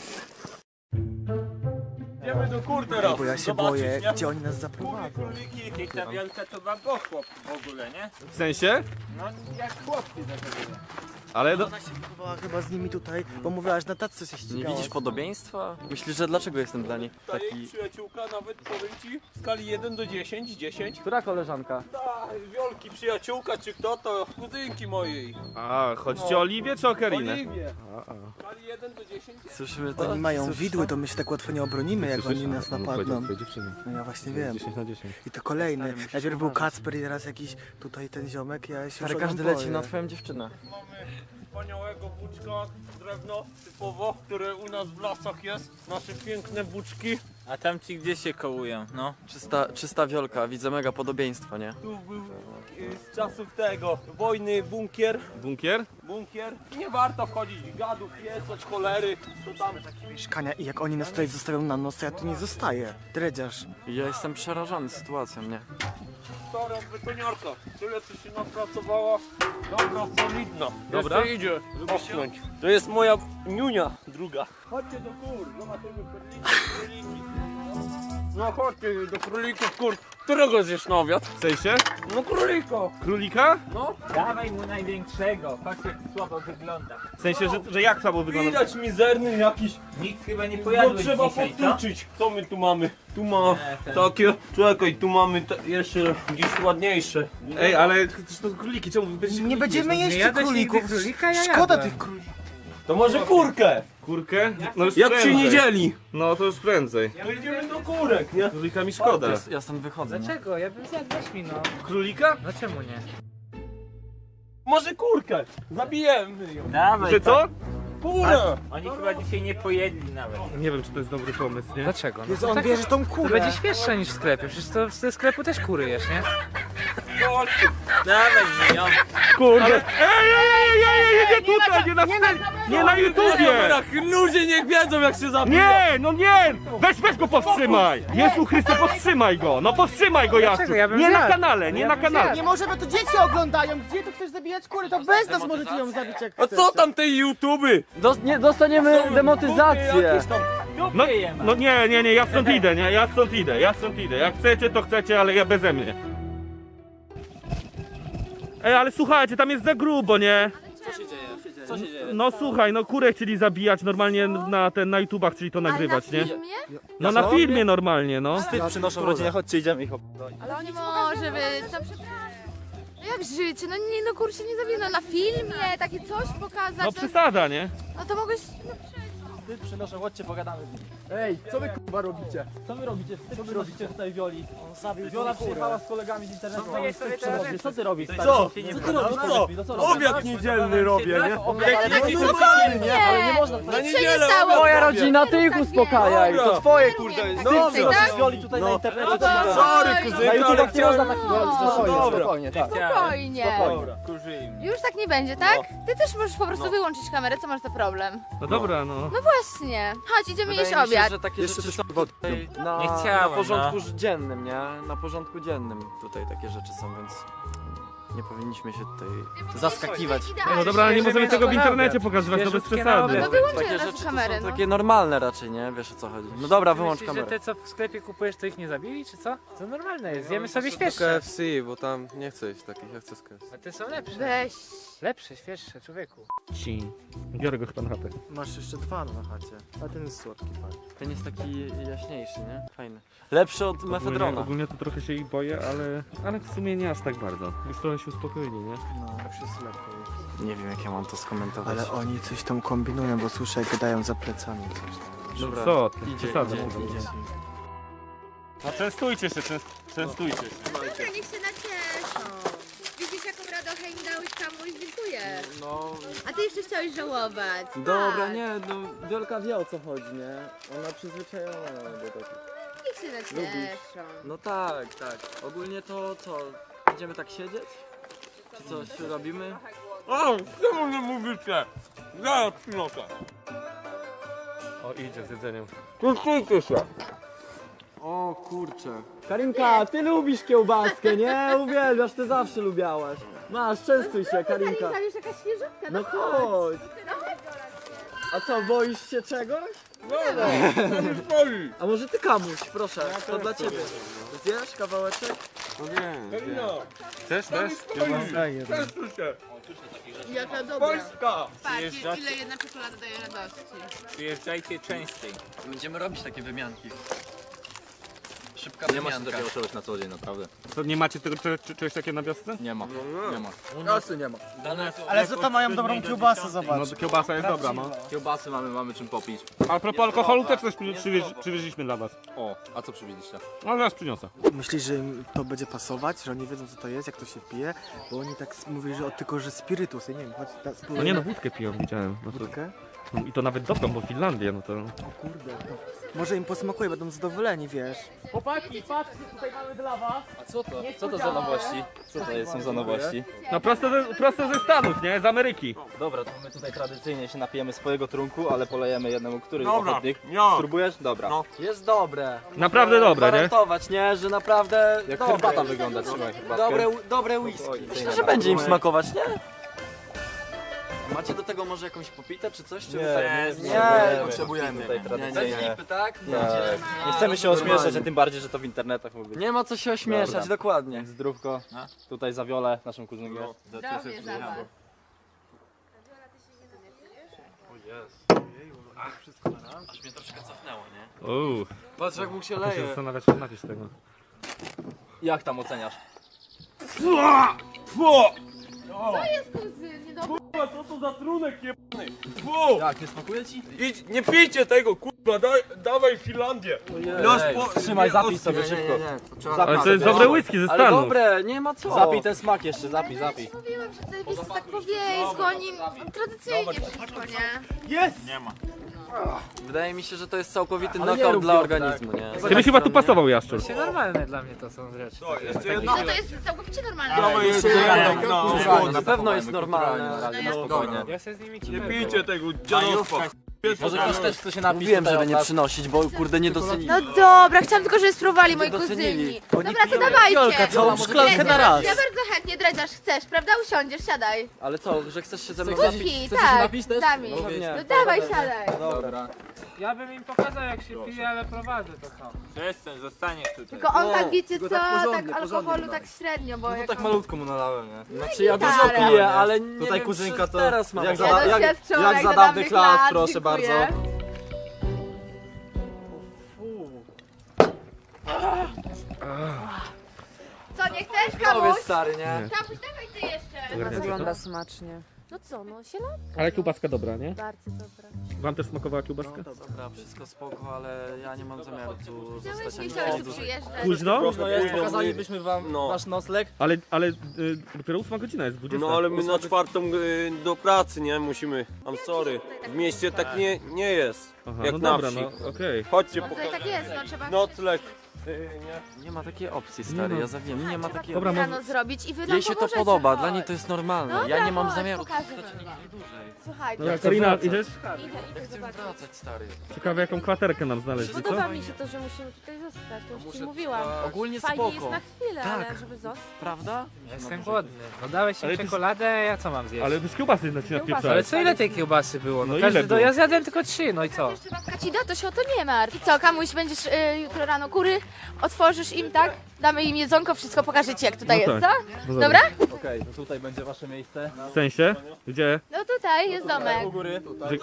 Speaker 4: Idziemy do kur teraz,
Speaker 8: Bo ja się boję, gdzie oni nas zaprowadzą.
Speaker 5: Ta wielka to ma chłop w ogóle, nie?
Speaker 2: W sensie?
Speaker 5: No jak chłopcy zachowywa.
Speaker 2: Ale no,
Speaker 8: Ona się wychowała chyba z nimi tutaj, bo mówiła, że na tacce się
Speaker 4: Nie
Speaker 8: ścigała.
Speaker 4: widzisz podobieństwa? Myślisz, że dlaczego jestem dla niej
Speaker 9: Ta jej
Speaker 4: taki...
Speaker 9: przyjaciółka nawet powiem ci w skali jeden do dziesięciu, dziesięć.
Speaker 4: Która koleżanka?
Speaker 9: Ta wielki przyjaciółka czy kto to kuzynki mojej.
Speaker 2: a chodzi ci o Oliwię czy o Karinę?
Speaker 9: Oliwie. W skali jeden do dziesięciu.
Speaker 4: Słyszymy to?
Speaker 8: Oni mają
Speaker 4: Słyszysz
Speaker 8: widły,
Speaker 4: to?
Speaker 8: to my się tak łatwo nie obronimy, jak oni nas napadną.
Speaker 2: dziewczyny.
Speaker 8: No ja właśnie wiem.
Speaker 2: dziesięć na dziesięć.
Speaker 8: I to kolejny.
Speaker 4: Stary, musisz
Speaker 8: Najpierw był
Speaker 4: uważać.
Speaker 8: Kacper i teraz jakiś tutaj ten ziomek, ja się
Speaker 4: Stary,
Speaker 8: już
Speaker 4: każdy
Speaker 8: boję.
Speaker 4: leci na twoją dziewczynę.
Speaker 9: Mamy wspaniałego buczka, drewno typowo, które u nas w lasach jest. Nasze piękne buczki.
Speaker 5: A tam ci gdzie się kołują, no?
Speaker 4: Czysta, czysta wiolka, widzę mega podobieństwo, nie?
Speaker 9: Tu był y, z czasów tego wojny bunkier.
Speaker 2: Bunkier?
Speaker 9: Bunkier. Nie warto wchodzić gadów, piesać, cholery. To tam
Speaker 8: Mieszkania i jak oni nas tutaj zostawią na noc, to ja tu nie zostaję. Dredziarz.
Speaker 4: I ja jestem przerażony sytuacją, nie?
Speaker 9: stara betoniarka. Tyle co się napracowała. Dobra, solidna.
Speaker 2: Dobra.
Speaker 9: Jeszcze idzie. Osnąć. To jest moja niunia druga. Chodźcie do kur, zobaczymy króliki, króliki. No chodźcie do królików kur. Którego zjesz na obiad?
Speaker 2: W sensie?
Speaker 9: No królika.
Speaker 2: Królika?
Speaker 5: Dawaj mu największego, patrz jak słabo wygląda.
Speaker 2: W sensie, że, że jak słabo wygląda?
Speaker 9: Widać mizerny jakiś.
Speaker 5: Nikt chyba nie
Speaker 9: No
Speaker 5: pojadł
Speaker 9: trzeba
Speaker 5: dzisiaj, co?
Speaker 9: powtórzyć. Co my tu mamy? Tu ma
Speaker 5: Nie, ten-
Speaker 9: takie. Czekaj, tu mamy te, jeszcze gdzieś ładniejsze.
Speaker 2: Ej, ale to są króliki, czemu wy będziecie
Speaker 8: Nie będziemy jeść
Speaker 5: Nie
Speaker 8: tych
Speaker 5: jadłeś nigdy
Speaker 8: królików.
Speaker 5: królika? Ja
Speaker 8: Szkoda
Speaker 5: jadłem.
Speaker 8: tych królików.
Speaker 9: To może kurkę?
Speaker 2: kurkę? No już
Speaker 9: Jak się
Speaker 2: prędzej.
Speaker 9: nie dzieli?
Speaker 2: No to już prędzej.
Speaker 9: To idziemy do kurek, nie?
Speaker 2: Królika mi szkoda.
Speaker 4: Ja stąd wychodzę.
Speaker 5: Dlaczego? Ja bym zjadł, weź mi no.
Speaker 2: Królika?
Speaker 5: No czemu nie?
Speaker 9: Może kurkę? Zabijemy ją.
Speaker 5: Dawaj.
Speaker 2: Że co?
Speaker 9: Kurę!
Speaker 5: Oni chyba dzisiaj nie pojedli nawet.
Speaker 2: Nie wiem, czy to jest dobry pomysł, nie?
Speaker 5: Dlaczego? No
Speaker 8: Jezu,
Speaker 5: to
Speaker 8: on
Speaker 5: tak-
Speaker 8: bierze tą
Speaker 5: To
Speaker 8: kurę.
Speaker 5: będzie świeższe niż w sklepie, przecież to ze sklepu też kury jesz, nie?
Speaker 9: Chodź.
Speaker 5: Dawaj mi ją.
Speaker 2: Kurde! Ej, ej, ej, ej, ej, nie tutaj, nie na scenie, nie na YouTubie!
Speaker 9: Ludzie niech wiedzą jak się zabija.
Speaker 2: Nie, no nie! Weź, weź go powstrzymaj! Jezu Chryste, powstrzymaj go! No powstrzymaj go, Jaszczu!
Speaker 5: Dlaczego? Ja bym
Speaker 2: Nie na
Speaker 5: zjadł.
Speaker 2: kanale, nie
Speaker 5: Ja
Speaker 2: na
Speaker 5: bym
Speaker 2: kanale!
Speaker 5: zjadł.
Speaker 8: Nie możemy, to dzieci oglądają. Gdzie tu chcesz zabijać kury? To bez nas możecie ją zabić jak
Speaker 9: A
Speaker 8: chcecie.
Speaker 9: co tam tej YouTuby?
Speaker 4: nie dostaniemy demotyzację.
Speaker 2: No, no nie, nie, nie, ja stąd idę, nie, ja stąd idę, ja stąd idę. Jak chcecie, to chcecie, ale ja beze mnie. Ej, ale słuchajcie, tam jest za grubo, nie?
Speaker 4: Co się dzieje?
Speaker 2: No słuchaj, no kurę chcieli zabijać normalnie na ten, na YouTubach, czyli to nagrywać,
Speaker 3: Ale
Speaker 2: nie?
Speaker 3: na filmie?
Speaker 2: No na filmie normalnie, no.
Speaker 4: Wstyd przynoszą rodzinie, chodźcie, idziemy ich ob...
Speaker 3: Ale nie może być. No przepraszam. No jak życie? No nie, no kurczę nie zawinno. Na filmie takie coś pokazać.
Speaker 2: No
Speaker 3: No,
Speaker 2: przesada, nie?
Speaker 3: no to mogłeś... No,
Speaker 4: Wstyd przynoszą, chodźcie, pogadamy z nimi. Ej, co wy k***a robicie? Co wy robicie? Co wy robicie tutaj Wioli? On zabił Wiola przyjechała z kolegami z internetu.
Speaker 5: No jest sobie teraz rzeczy.
Speaker 4: Co ty robisz?
Speaker 9: Co?
Speaker 4: Co ty robisz?
Speaker 9: Co?
Speaker 4: No co robisz?
Speaker 9: Obiad niedzielny robię, nie?
Speaker 4: Jaki
Speaker 3: no
Speaker 4: nie, ale nie można
Speaker 9: Na
Speaker 4: tak.
Speaker 3: nic się nie
Speaker 9: niedzielę
Speaker 3: stało.
Speaker 9: obiad
Speaker 4: Twoja
Speaker 9: robię.
Speaker 4: rodzina, ty ich
Speaker 3: Tak
Speaker 4: uspokajaj,
Speaker 9: Dobra.
Speaker 4: to twoje kurde jest.
Speaker 3: No
Speaker 4: Ty
Speaker 3: dobrze,
Speaker 4: przynosisz
Speaker 3: tak?
Speaker 4: Wioli tutaj na internecie.
Speaker 3: No
Speaker 4: to
Speaker 3: to-
Speaker 4: nie
Speaker 9: Sorry,
Speaker 3: Oj,
Speaker 9: kuzynka,
Speaker 4: Na
Speaker 9: ale
Speaker 4: YouTubach nie
Speaker 9: chciałem...
Speaker 4: można takich robić, spokojnie,
Speaker 9: Dobra.
Speaker 4: spokojnie, tak.
Speaker 3: Spokojnie.
Speaker 9: Dobra, kurzyjmy.
Speaker 3: Już tak nie będzie, tak? Ty też możesz po prostu wyłączyć kamerę, co masz za problem?
Speaker 2: No dobra, no.
Speaker 3: No właśnie. Chodź, idziemy jeść obiad.
Speaker 4: że takie rzeczy są tutaj na,
Speaker 5: Nie chciałem,
Speaker 4: na porządku dziennym, nie? Na porządku dziennym tutaj takie rzeczy są, więc nie powinniśmy się tutaj zaskakiwać.
Speaker 2: No dobra, ale nie możemy tego w
Speaker 5: Świeżutkie
Speaker 2: internecie
Speaker 5: na
Speaker 2: pokazywać, no bez
Speaker 5: Świeżutkie na
Speaker 2: przesady.
Speaker 5: obiad.
Speaker 3: No wyłączę
Speaker 4: Takie
Speaker 3: raz
Speaker 4: rzeczy to
Speaker 3: kamerę,
Speaker 4: są
Speaker 3: no.
Speaker 4: takie normalne raczej, nie? Wiesz o co chodzi. No dobra, wyłącz
Speaker 5: Myślisz, że
Speaker 4: kamerę.
Speaker 5: te co w sklepie kupujesz, to ich nie zabili, czy co? To normalne jest, zjemy sobie
Speaker 10: K
Speaker 5: świeższe.
Speaker 10: F C, bo tam nie chcę jeść takich, ja chcę z K F C.
Speaker 5: A te są lepsze.
Speaker 3: Weź.
Speaker 5: Lepsze, świeższe, człowieku.
Speaker 2: Ci. Biorę go chyba na chatę.
Speaker 8: Masz jeszcze dwa na chacie. A ten jest słodki, fajny.
Speaker 4: Ten jest taki jaśniejszy, nie? Fajny. Lepszy od
Speaker 2: Ogólnie,
Speaker 4: mefedrona.
Speaker 2: ogólnie to trochę się ich boję, ale, ale w sumie nie aż tak bardzo. Już trochę się uspokoili, nie?
Speaker 8: No, już jest lepiej.
Speaker 4: Nie wiem jak ja mam to skomentować.
Speaker 8: Ale oni coś tam kombinują, bo słyszę jak gadają za plecami coś tam.
Speaker 4: Dobra,
Speaker 2: Co ty?
Speaker 4: idzie,
Speaker 2: Przesada.
Speaker 4: idzie, idzie.
Speaker 2: No częstujcie się, częst, częstujcie się.
Speaker 3: Dobra, niech się nacieszą. Widzisz, jaką radochę im dałeś kamuś, dziękuję.
Speaker 4: No,
Speaker 3: A ty jeszcze chciałeś żałować.
Speaker 4: dobra,
Speaker 3: Tak.
Speaker 4: nie, no Wiolka wie o co chodzi, nie? Ona przyzwyczajona do takich.
Speaker 3: Niech się nacieszą.
Speaker 4: No tak, tak. Ogólnie to co? Będziemy tak siedzieć? Czy coś robimy?
Speaker 9: O, czemu nie mówicie? Zaraz przynoszę.
Speaker 2: O, idzie z jedzeniem.
Speaker 9: Częstujcie się.
Speaker 4: O kurczę. Karinka, ty lubisz kiełbaskę, nie? Uwielbiasz, ty zawsze lubiałaś. Masz, częstuj się, Karinka.
Speaker 3: Karinka, już jakaś świeżutka,
Speaker 4: No chodź. A co, boisz się czegoś?
Speaker 9: Dobra, to mi stoi.
Speaker 4: A może ty kamuś, proszę, to dla ciebie. Zjesz kawałeczek?
Speaker 9: Karina,
Speaker 2: Chcesz też?
Speaker 9: częstuj się.
Speaker 3: Jaka dobra.
Speaker 9: Polska.
Speaker 3: Patrz, ile jedna czekolada daje radości.
Speaker 5: Przyjeżdżajcie częściej.
Speaker 4: Będziemy robić takie wymianki. Szybka
Speaker 10: Nie ma się
Speaker 4: wymianka.
Speaker 10: takiego czegoś na co dzień, naprawdę.
Speaker 2: To nie macie tego cze- cze- czegoś takiego na wiosce?
Speaker 10: Nie ma, nie ma.
Speaker 4: Kasy nie ma.
Speaker 8: Ale za to mają dobrą kiełbasę, zobacz.
Speaker 2: No kiełbasa jest dobra, no.
Speaker 10: Kiełbasy mamy, mamy czym popić.
Speaker 2: A propos alkoholu też coś przy- przywieź, przywieźliśmy dla was.
Speaker 10: O, a co przywieźliście?
Speaker 2: No zaraz przyniosę.
Speaker 8: Myślisz, że im to będzie pasować? Że oni wiedzą co to jest, jak to się pije? Bo oni tak s- mówili, że o, tylko, że spirytus, ja nie wiem, chodź, ta,
Speaker 2: No
Speaker 8: spróbujmy.
Speaker 2: nie no, wódkę piją, widziałem. No to,
Speaker 8: Wódkę?
Speaker 2: no, I to nawet dobrą, bo Finlandia, no to...
Speaker 8: O kurde, to może im posmakuje, będą zadowoleni, wiesz.
Speaker 4: Chłopaki, patrzcie, tutaj mamy dla was.
Speaker 10: A co to? Co to za nowości? Co to jest, są za nowości?
Speaker 2: No prosto ze, prosto ze Stanów, nie? Z Ameryki.
Speaker 10: Dobra, to my tutaj tradycyjnie się napijemy swojego trunku, ale polejemy jednemu, który
Speaker 9: Dobra,
Speaker 10: ochotnik.
Speaker 9: ja.
Speaker 10: Spróbujesz? Dobra.
Speaker 9: No.
Speaker 4: Jest dobre.
Speaker 2: Naprawdę dobre, nie?
Speaker 4: Gwarantować, nie? Że naprawdę
Speaker 10: Jak
Speaker 4: dobre.
Speaker 10: herbata wygląda, trzymaj herbatkę.
Speaker 4: Dobre, dobre whisky.
Speaker 10: Oj,
Speaker 4: Myślę, że będzie im smakować, nie?
Speaker 10: Macie do tego może jakąś popitę czy coś? Czy
Speaker 4: Nie,
Speaker 10: tak
Speaker 4: nie,
Speaker 10: nie,
Speaker 4: nie
Speaker 10: potrzebujemy tutaj tradycyjnie.
Speaker 4: nie.
Speaker 10: Lipy, tak?
Speaker 4: Tak.
Speaker 10: Nie chcemy się ośmieszać, a tym bardziej, że to w internetach mówi. Nie ma co się ośmieszać,
Speaker 4: Dobra.
Speaker 10: dokładnie. Zdrówko. Tutaj za Wiolę, naszą kuzynkę.
Speaker 3: Zdrowie za was.
Speaker 10: Aż mnie troszkę cofnęło, nie?
Speaker 2: Uuu,
Speaker 10: Patrz jak mu się
Speaker 2: muszę się
Speaker 10: leje.
Speaker 2: zastanawiać, czy napisz tego.
Speaker 10: Jak tam oceniasz?
Speaker 3: Co jest kuzyn? Niedobrze.
Speaker 4: Kurwa, co to za trunek jebany? Fu!
Speaker 10: Jak, nie smakuje ci?
Speaker 4: Idź, nie pijcie tego, kurwa, daj, dawaj Finlandię. Los po-
Speaker 10: Trzymaj,
Speaker 4: nie,
Speaker 10: zapij
Speaker 4: os-
Speaker 10: sobie
Speaker 8: Nie,
Speaker 10: szybko.
Speaker 8: nie, nie, to trzeba
Speaker 2: Ale to
Speaker 8: naprawdę-
Speaker 2: jest dobre whisky ze
Speaker 10: Ale
Speaker 2: Stanów.
Speaker 10: dobre, nie ma co. Zapij ten smak jeszcze, zapij,
Speaker 3: Ale
Speaker 10: zapij.
Speaker 3: ja ci mówiłam, że to jest tak po wiejsku, oni tradycyjnie wszystko, nie?
Speaker 4: Jest!
Speaker 10: Wydaje mi się, że to jest całkowity
Speaker 8: Ale nie
Speaker 10: knockout
Speaker 8: rób
Speaker 10: dla
Speaker 8: ją
Speaker 10: organizmu, nie?
Speaker 2: Ty byś chyba tu pasował, Jaszczur.
Speaker 5: Się normalne dla mnie to są rzeczy.
Speaker 4: To, jeszcze
Speaker 5: Takie-
Speaker 4: jedno.
Speaker 3: No to jest całkowicie normalne.
Speaker 4: Dawaj jeszcze
Speaker 8: Kulturalnie,
Speaker 4: jedno. No,
Speaker 8: kulturalnie.
Speaker 10: Na pewno jest normalne, ale
Speaker 3: No
Speaker 10: no
Speaker 3: ja-
Speaker 10: spokojnie.
Speaker 5: Ja się z nimi
Speaker 4: Nie
Speaker 5: ciepło.
Speaker 4: pijcie tego, dziadostwa.
Speaker 10: Może ktoś też chce się napić. Mówiłem, żeby nie przynosić, bo kurde nie docenili.
Speaker 3: No dobra, chciałam tylko, żeby spróbowali moi
Speaker 10: docenili.
Speaker 3: kuzyni.
Speaker 10: Oni
Speaker 3: Dobra, to
Speaker 10: piją
Speaker 3: dawajcie.
Speaker 10: Jolka, całą szklankę na raz.
Speaker 3: Ja bardzo chętnie, dredziarz, chcesz, prawda? Usiądziesz, siadaj.
Speaker 10: Ale co, że chcesz się ze mną
Speaker 3: Kupi,
Speaker 10: Chcesz się
Speaker 3: tak,
Speaker 10: napić też?
Speaker 3: dami.
Speaker 10: No pewnie.
Speaker 3: No dawaj, siadaj.
Speaker 10: Dobra.
Speaker 5: Ja bym im pokazał jak się pije, ale prowadzę to co.
Speaker 9: Przestań, zostaniesz tutaj.
Speaker 3: Tylko on tak, wiecie co,
Speaker 8: tylko tak porządnie,
Speaker 3: tak alkoholu
Speaker 8: porządnie
Speaker 3: tak średnio, bo jak on...
Speaker 10: malutko mu nalałem, nie?
Speaker 3: No
Speaker 10: Znaczy
Speaker 3: i
Speaker 10: ja dużo
Speaker 3: gitarę.
Speaker 10: piję, ale nie
Speaker 8: Tutaj
Speaker 10: wiem,
Speaker 8: kuzynka
Speaker 10: czy
Speaker 8: to
Speaker 10: teraz mam.
Speaker 8: jak
Speaker 10: Jak,
Speaker 8: za-
Speaker 10: za, jak,
Speaker 3: Doświadczona,
Speaker 10: jak za
Speaker 3: za
Speaker 10: dawnych lat,
Speaker 3: lat,
Speaker 10: proszę
Speaker 3: dziękuję.
Speaker 10: bardzo.
Speaker 3: Co, nie chcesz,
Speaker 10: Powiedz
Speaker 3: kamuś?
Speaker 10: stary, nie?
Speaker 3: Kamuś, dawaj ty jeszcze.
Speaker 2: Ogarniacie to?
Speaker 7: Wygląda smacznie.
Speaker 6: No co, no się la...
Speaker 2: Ale kiełbaska dobra, nie?
Speaker 6: Bardzo dobra.
Speaker 2: Wam też smakowała kiełbaska?
Speaker 10: Dobra, wszystko spoko, ale ja nie mam zamiaru tu
Speaker 3: Chciałeś,
Speaker 10: zostać
Speaker 3: nie
Speaker 10: ani
Speaker 3: chciałeś tu
Speaker 10: dłużej.
Speaker 3: przyjeżdżać.
Speaker 2: Późno?
Speaker 10: Późno jest, pokazalibyśmy wam
Speaker 4: No.
Speaker 10: wasz nocleg.
Speaker 2: Ale, ale y, dopiero ósma godzina jest, dwudziesta.
Speaker 4: No ale my na czwartą y, do pracy, nie? Musimy. I'm sorry. W mieście tak nie, nie jest.
Speaker 2: Aha,
Speaker 4: Jak
Speaker 2: no
Speaker 4: na
Speaker 2: dobra,
Speaker 4: wsi.
Speaker 2: no okej.
Speaker 4: Chodźcie
Speaker 3: No
Speaker 4: po
Speaker 3: tutaj tak jest, no trzeba...
Speaker 4: nocleg. Y, nie?
Speaker 10: Nie ma takiej opcji, stary,
Speaker 2: ma.
Speaker 10: ja zawiem, nie ma
Speaker 3: Trzeba
Speaker 10: takiej
Speaker 2: Dobra,
Speaker 10: opcji.
Speaker 3: rano zrobić i wy nam
Speaker 10: Jej się to
Speaker 3: pomożecie,
Speaker 10: podoba,
Speaker 3: chodź.
Speaker 10: dla niej to jest normalne.
Speaker 3: Dobra,
Speaker 10: Ja nie mam
Speaker 3: chodź,
Speaker 10: zamiaru
Speaker 3: pokażę
Speaker 10: zostać
Speaker 3: wam.
Speaker 10: nigdy dłużej.
Speaker 3: Słuchajcie,
Speaker 2: Dobra, Karina, idziesz?
Speaker 6: Idę, idę
Speaker 10: Chcę
Speaker 6: zobaczyć.
Speaker 10: wracać, stary.
Speaker 2: Ciekawe jaką kwaterkę nam znaleźli, co?
Speaker 6: Podoba mi się to, że musimy tutaj zostać, to już ci mówiłam.
Speaker 10: Ogólnie
Speaker 6: Fajnie jest
Speaker 10: spoko,
Speaker 6: na chwilę,
Speaker 10: Tak.
Speaker 6: ale żeby zostać.
Speaker 10: prawda?
Speaker 5: Ja jestem głodny. No dałeś
Speaker 2: Ale
Speaker 5: im
Speaker 2: ty-
Speaker 5: czekoladę, ja co mam zjeść?
Speaker 2: Ale bez kiełbasy na ci
Speaker 6: Kiełbasa.
Speaker 5: Ale
Speaker 2: napieprzałeś.
Speaker 5: co ile tej kiełbasy było? No,
Speaker 2: No
Speaker 5: każdy
Speaker 2: ile
Speaker 5: do...
Speaker 2: było?
Speaker 5: Ja zjadłem tylko trzy, no i co?
Speaker 3: jeszcze babka ci da, to się o to nie martw. I co, kamuś będziesz y, jutro rano kury, otworzysz im, tak? Damy im jedzonko, wszystko pokażę ci jak tutaj
Speaker 2: No
Speaker 3: jest,
Speaker 2: tak.
Speaker 3: co?
Speaker 2: No
Speaker 3: Dobra?
Speaker 10: Okej, to tutaj będzie wasze miejsce.
Speaker 2: W sensie? Gdzie?
Speaker 3: No tutaj jest domek.
Speaker 10: U góry.
Speaker 2: Że-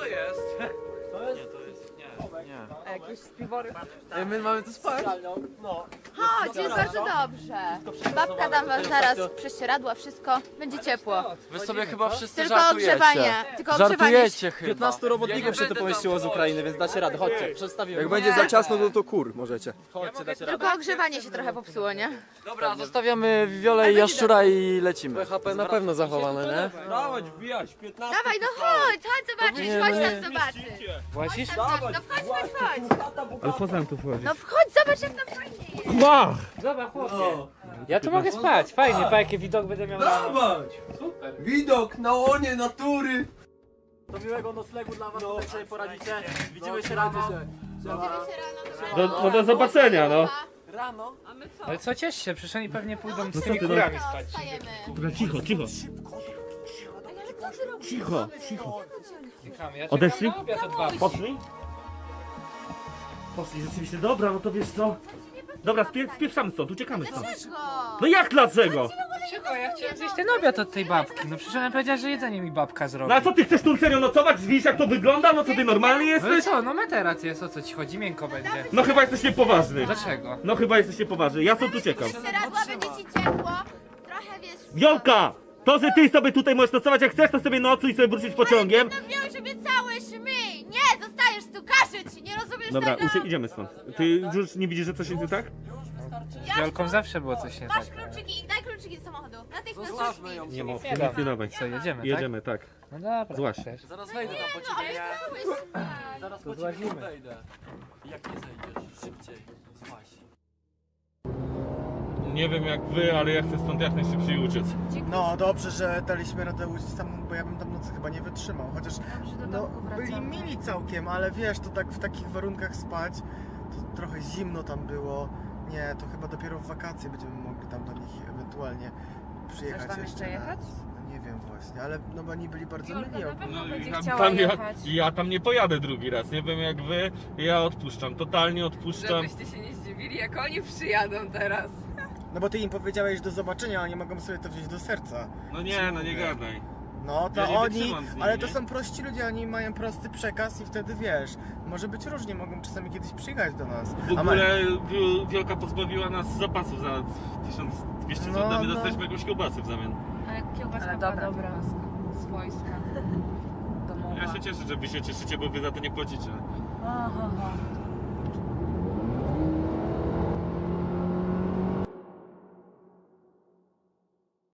Speaker 7: Jakieś spiwory.
Speaker 10: Ej, my mamy tu spać.
Speaker 3: Chodź, jest bardzo dobrze. Babka dam wam zaraz prześcieradła, wszystko. Będzie ciepło.
Speaker 10: Wy sobie chyba wszyscy
Speaker 3: Tylko
Speaker 10: żartujecie.
Speaker 3: ogrzewanie. Tylko ogrzewanie.
Speaker 10: Żartujecie chyba. piętnastu robotników się tu pomieściło z Ukrainy, więc dacie radę. Chodźcie, przedstawimy.
Speaker 8: Jak będzie za ciasno, to to kur możecie.
Speaker 10: Chodźcie, dacie radę.
Speaker 3: Tylko ogrzewanie się trochę popsuło, nie?
Speaker 10: Dobra, zostawiamy Wiolę i Jaszczura i lecimy.
Speaker 8: H P na pewno zachowane, nie?
Speaker 4: Dawać, wbijać, piętnaście.
Speaker 3: Dawaj, no chodź, chodź zobaczyć, chodź tam zobaczyć.
Speaker 5: Włazisz?
Speaker 3: No wchodź, chodź, chodź.
Speaker 2: Ale po co nam tu wchodzi?
Speaker 3: No wchodź, zobacz jak tam fajnie jest.
Speaker 2: Ła!
Speaker 5: Dobra, chłopie. Ja tu mogę spać, fajnie, pa jaki widok będę miał rano.
Speaker 4: Dawać! Widok na łonie natury.
Speaker 10: Do miłego noclegu dla was, tutaj sobie poradzicie. Widzimy się rano.
Speaker 3: Widzimy się rano.
Speaker 2: Do, no do zobaczenia, no.
Speaker 10: Rano?
Speaker 5: Ale co, ciesz się, przecież oni pewnie pójdą z
Speaker 2: co
Speaker 5: tymi
Speaker 2: ty, no?
Speaker 5: kurami spać.
Speaker 3: Wstajemy.
Speaker 2: Dobra, cicho, cicho.
Speaker 3: Ale co ty robisz?
Speaker 2: Cicho, cicho.
Speaker 5: Czekamy, ja
Speaker 2: Odeszli?
Speaker 5: czekam na obiad od babci.
Speaker 2: Poszli? Poszli, rzeczywiście. Dobra, no to wiesz co? Dobra, spie spieprzamy stąd, uciekamy stąd.
Speaker 3: Dlaczego?
Speaker 2: No jak dlaczego?
Speaker 5: Czekaj, ja chciałem zjeść ten obiad od tej babki. No przecież ona powiedziała, że jedzenie mi babka zrobi.
Speaker 2: No a co ty chcesz tu serio nocować? Widzisz jak to wygląda? No co ty normalny
Speaker 5: No i
Speaker 2: jesteś?
Speaker 5: co, no materac jest, o co ci chodzi? Miękko będzie.
Speaker 2: No chyba jesteś niepoważny.
Speaker 5: Dlaczego?
Speaker 2: No chyba jesteś niepoważny, ja stąd uciekam.
Speaker 3: Przeradła, będzie ci ciepło. Trochę wiesz...
Speaker 2: Wiolka! To, że ty sobie tutaj możesz nocować jak chcesz, to sobie nocuj i sobie wrócić pociągiem.
Speaker 3: No wiem, żeby całe szmy. Nie, zostajesz tu, każę ci, nie rozumiesz
Speaker 2: Dobra,
Speaker 3: tego?
Speaker 2: ucie idziemy stąd. Ty już nie widzisz, że coś jest nie tak?
Speaker 5: Z Wiolką zawsze było coś nie tak.
Speaker 3: Masz kluczyki, daj kluczyki do samochodu. Natychmiast
Speaker 10: Zostawmy
Speaker 3: kluczyki.
Speaker 10: ją.
Speaker 2: Nie mów,
Speaker 5: Nie
Speaker 2: nic
Speaker 5: dam.
Speaker 2: nie dawaj.
Speaker 5: Co, jedziemy,
Speaker 2: Jedziemy, tak.
Speaker 5: tak? No dobra.
Speaker 2: Złaś.
Speaker 5: też.
Speaker 10: Zaraz wejdę tam po
Speaker 3: No,
Speaker 10: ciebie.
Speaker 3: ale cały szmy.
Speaker 10: Zaraz po ciebie wejdę. Jak nie zejdziesz, szybciej. Złaś.
Speaker 2: Nie wiem jak wy, ale ja chcę stąd jak najszybciej uciec.
Speaker 8: No dobrze, że daliśmy radę uciec tam, bo ja bym tam nocy chyba nie wytrzymał. Chociaż no, byli mili całkiem, ale wiesz, to tak w takich warunkach spać, to trochę zimno tam było. Nie, to chyba dopiero w wakacje będziemy mogli tam do nich ewentualnie przyjechać
Speaker 7: Chcesz tam jeszcze
Speaker 8: raz.
Speaker 7: jechać?
Speaker 8: No Nie wiem właśnie, ale no bo oni byli bardzo
Speaker 6: Jolka
Speaker 8: mili.
Speaker 6: na pewno będzie
Speaker 2: ja,
Speaker 6: chciała
Speaker 2: tam, ja,
Speaker 6: jechać.
Speaker 2: ja tam nie pojadę drugi raz, nie wiem jak wy, ja odpuszczam, totalnie odpuszczam.
Speaker 7: Żebyście się nie zdziwili, jak oni przyjadą teraz.
Speaker 8: No bo ty im powiedziałeś do zobaczenia, a oni mogą sobie to wziąć do serca.
Speaker 2: No nie, no nie gadaj.
Speaker 8: No to
Speaker 2: Ja nie
Speaker 8: oni,
Speaker 2: wytrzymam z nimi,
Speaker 8: ale to
Speaker 2: nie?
Speaker 8: są prości ludzie, oni mają prosty przekaz i wtedy wiesz, może być różnie, mogą czasami kiedyś przyjechać do nas.
Speaker 2: W
Speaker 8: A ma-
Speaker 2: ogóle Wiol- Wiolka pozbawiła nas zapasów za tysiąc dwieście
Speaker 8: No,
Speaker 2: złotych, a my
Speaker 8: no.
Speaker 2: dostaliśmy jakąś kiełbasę w zamian.
Speaker 6: Ale kiełbaska
Speaker 7: Ale
Speaker 6: była
Speaker 7: dobra,
Speaker 6: dobra.
Speaker 7: Swojska. Domowa.
Speaker 2: Ja się cieszę, że wy się cieszycie, bo wy za to nie płacicie.
Speaker 7: Aha, aha.